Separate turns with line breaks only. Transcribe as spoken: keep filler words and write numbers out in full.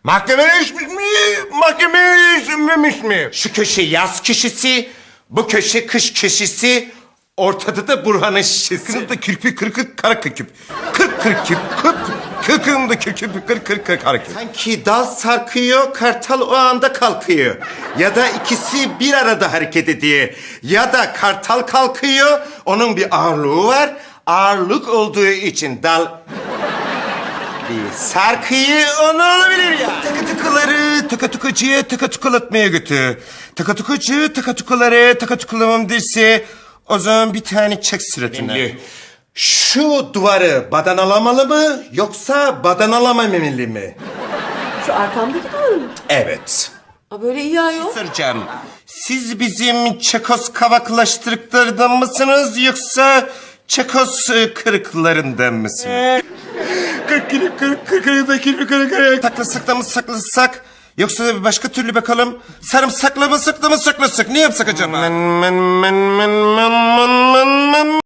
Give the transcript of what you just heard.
Mahkemeleşmiş mi? Mahkemeleşmemiş mi?
Şu köşe yaz köşesi, bu köşe kış köşesi, ortada da Burhan'ın şişesi.
Kırkında kirpi kırkık kara kırkıp. Kırk kırkıp kırk kırkında kırkıp kırk kırk kırk hareket.
Sanki dal sarkıyor, kartal o anda kalkıyor. Ya da ikisi bir arada hareket ediyor. Ya da kartal kalkıyor, onun bir ağırlığı var. Ağırlık olduğu için dal bir sarkıyor, onu olabilir ya.
Tıkı tıkıları tıkı tıkıcıya tıkı tıkılatmaya götür. Tıkı tıkıcı tıkı tıkıları tıkı tıkılamam derse o zaman bir tane çek suratına.
Şimdi şu duvarı badanalamalı mı yoksa badanalamalı mı?
Şu arkamdaki duvarı mı?
Evet.
Aa, böyle iyi ayol.
Soracağım. Siz bizim Çekos kavaklaştırıklarından mısınız yoksa Çekos e, kırıklarından mısınız?
Kırk kırk kırk kırk kırk kırk kırk kırk.
Saklasak da mı saklasak yoksa da bir başka türlü bakalım. Sarımsakla mı sakla mı saklasak ne yapsak acaba?
Men men men men men